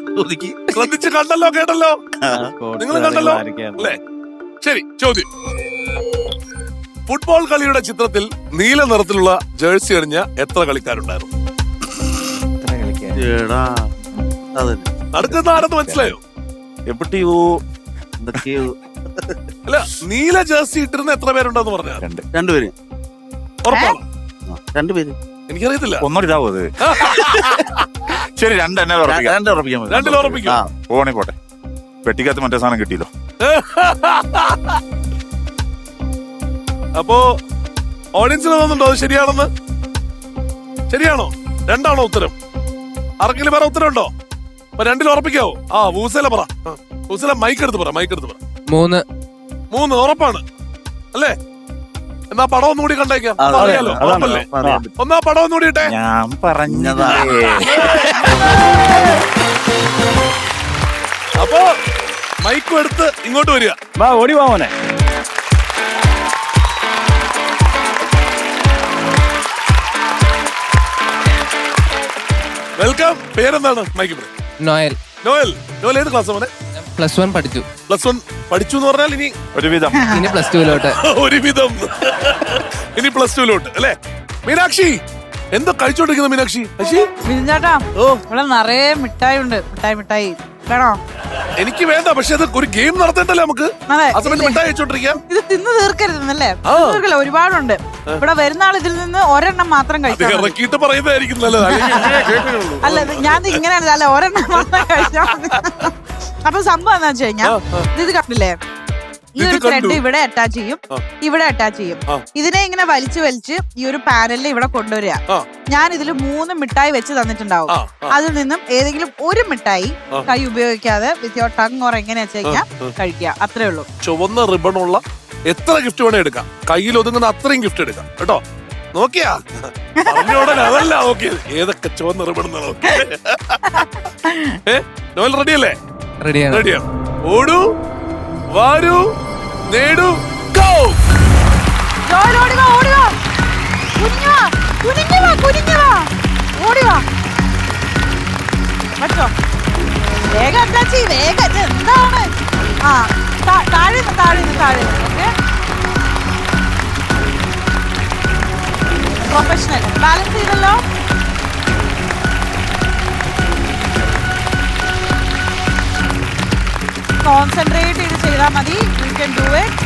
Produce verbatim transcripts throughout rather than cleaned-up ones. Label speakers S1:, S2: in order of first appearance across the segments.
S1: ശ്രദ്ധിച്ച് കണ്ടല്ലോ കേട്ടല്ലോ, നിങ്ങൾ കണ്ടല്ലോ അല്ലേ? ശരി, ചോദ്യം. ഫുട്ബോൾ കളിയുടെ ചിത്രത്തിൽ നീല നിറത്തിലുള്ള ജേഴ്സി അണിഞ്ഞ എത്ര കളിക്കാരുണ്ടായിരുന്നു? നടക്കുന്ന ആരെന്ന് മനസ്സിലായോ? അല്ല, നീല ജേഴ്സി ഇട്ടിരുന്ന എത്ര പേരുണ്ടെന്ന് പറഞ്ഞാൽ?
S2: രണ്ടുപേര്.
S1: ഉറപ്പാണ്?
S2: രണ്ടുപേര്.
S1: എനിക്കറിയത്തില്ല.
S3: ഒന്നോടിതാവോ അത്? ശരി, രണ്ടെന്നെ
S1: രണ്ടിൽ ഉറപ്പിക്കും.
S3: പോണേ പോട്ടെ, പെട്ടിക്കകത്ത് മറ്റേ സാധനം കിട്ടിയല്ലോ.
S1: അപ്പോ ഓഡിയൻസിന് തോന്നുന്നുണ്ടോ അത് ശരിയാണെന്ന്? ശരിയാണോ? രണ്ടാണോ ഉത്തരം? ആർക്കെങ്കിലും വേറെ ഉത്തരം ഉണ്ടോ? അപ്പൊ രണ്ടിൽ ഉറപ്പിക്കാവോ? ആ, വൂസല പറ. വൂസല മൈക്ക് എടുത്ത് പറ, മൈക്ക് എടുത്ത് പറ.
S4: മൂന്ന്.
S1: മൂന്ന് ഉറപ്പാണ് അല്ലേ? എന്നാ പടം ഒന്നുകൂടി കണ്ടേക്കാം, അറിയാലോ. ഉറപ്പല്ലേ? ഒന്നാ പടം ഒന്നുകൂടി ഇട്ടേ.
S3: ഞാൻ പറഞ്ഞതാ.
S1: അപ്പോ മൈക്കും എടുത്ത് ഇങ്ങോട്ട് വരിക.
S5: വാ, ഓടി വാ മോനെ.
S1: വെൽക്കം. പേരെന്താണ്? മൈക്ക്.
S4: നോയൽ.
S1: നോയൽ. നോയൽ ഏത് ക്ലാസ് മോനെ?
S4: പ്ലസ് വൺ പഠിച്ചു.
S1: പ്ലസ് വൺ പഠിച്ചു എന്ന് പറഞ്ഞാൽ ഇനി
S3: ഒരുവിധം
S4: ഇനി പ്ലസ് ടുവിലോട്ട്.
S1: ഒരുവിധം ഇനി പ്ലസ് ടുവിലോട്ട് അല്ലേ? മീനാക്ഷി എന്തോ കഴിച്ചോണ്ടിരിക്കുന്ന മീനാക്ഷി?
S6: ചേട്ടാ, ഇവിടെ നിറയെ മിഠായി ഉണ്ട്. മിഠായി മിഠായി വേണോ?
S1: എനിക്ക് വേണ്ട, പക്ഷെ അത് ഒരു ഗെയിം നടത്തണ്ടല്ലേ നമുക്ക്? ആ സമയത്ത് മിഠായി കഴിച്ചോണ്ടിരിക്കാം.
S6: ഇത് തിന്ന് തീർക്കരുതെന്നല്ലേ? തീർക്കില്ല, ഒരുപാടുണ്ട്. ഇവിടെ വരുന്ന ആൾ ഇതിൽ നിന്ന് ഒരെണ്ണം മാത്രം കഴിച്ചാൽ
S1: ഇറക്കിയിട്ട് പറയുന്നതായിരിക്കും നല്ലത്.
S6: അല്ല, ഞാൻ ഇങ്ങനെയാണ്. അല്ല, ഒരെണ്ണം മാത്രം കഴിച്ചാൽ മതി. അപ്പൊ സംഭവം എന്താ വെച്ച് കഴിഞ്ഞാ, ഇത് കണ്ടില്ലേ, ഈ ഒരു ത്രെഡ് ഇവിടെ അറ്റാച്ച് ചെയ്യും, ഇവിടെ അറ്റാച്ച് ചെയ്യും. ഇതിനെ ഇങ്ങനെ വലിച്ചു വലിച്ച് ഈ ഒരു പാനലിൽ ഇവിടെ കൊണ്ടുവരിക. ഞാൻ ഇതിൽ മൂന്ന് മിഠായി വെച്ച് തന്നിട്ടുണ്ടാവും. അതിൽ നിന്നും ഏതെങ്കിലും ഒരു മിഠായി കൈ ഉപയോഗിക്കാതെ വിത്ത് യോർ ടങ് ഓർ എങ്ങനെയാ വെച്ച് കഴിഞ്ഞാൽ കഴിക്കുക. അത്രേ ഉള്ളൂ.
S1: ചുവന്ന റിബണുള്ള എത്ര ഗിഫ്റ്റ് വേണേ എടുക്കാം, കയ്യിൽ ഒതുങ്ങുന്ന അത്രയും ഗിഫ്റ്റ് എടുക്കാം കേട്ടോ. നോക്കിയാ പറഞ്ഞോടനെ അതല്ല നോക്കിയത്, ഏതൊക്കെ ചുവന്ന റിബൺ നോക്കിയത്. ഏ നോവൽ റെഡിയല്ലേ?
S4: റെഡിയാണ്.
S1: റെഡിയാണ്. ഓടൂ, വാരൂ, നേടൂ, ഗോ.
S6: ഓടിവാ, ഓടിവാ, കുനിഞ്ഞുവാ, കുനിഞ്ഞുവാ, കുനിഞ്ഞുവാ, ഓടിവാ. പറ്റോ? വേഗം അറ്റാച്ച്, വേഗം. എന്താണ്? ആ, താഴെ താഴെ താഴെ. Okay, professional. ബാലൻസ് ചെയ്തല്ലോ. കോൺസെൻട്രേറ്റ് ചെയ്ത് ചെയ്താൽ മതി. You can do it.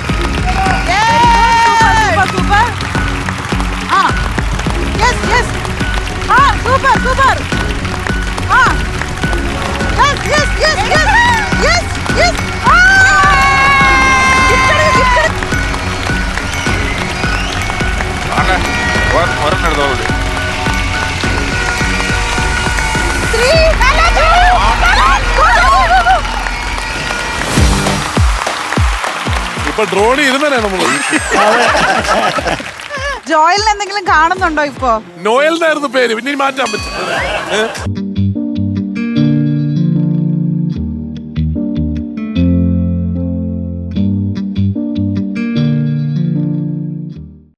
S6: Super super. ആ, യെസ് യെസ്. ആ, സൂപ്പർ സൂപ്പർ. ആ, yes yes yes yes yes yes. ആ, ഗിഫ്റ്റ് ഗിഫ്റ്റ്.
S3: ഒരെണ്ണം എടുത്തോളൂ.
S6: ത്രീ.
S1: ഇപ്പൊ ഡ്രോണി ഇരുന്നേ നമ്മള്.
S6: ജോയലിന് എന്തെങ്കിലും കാണുന്നുണ്ടോ ഇപ്പൊ?
S1: നോയൽ എന്നായിരുന്നു പേര്, പിന്നെ മാറ്റാൻ പറ്റും.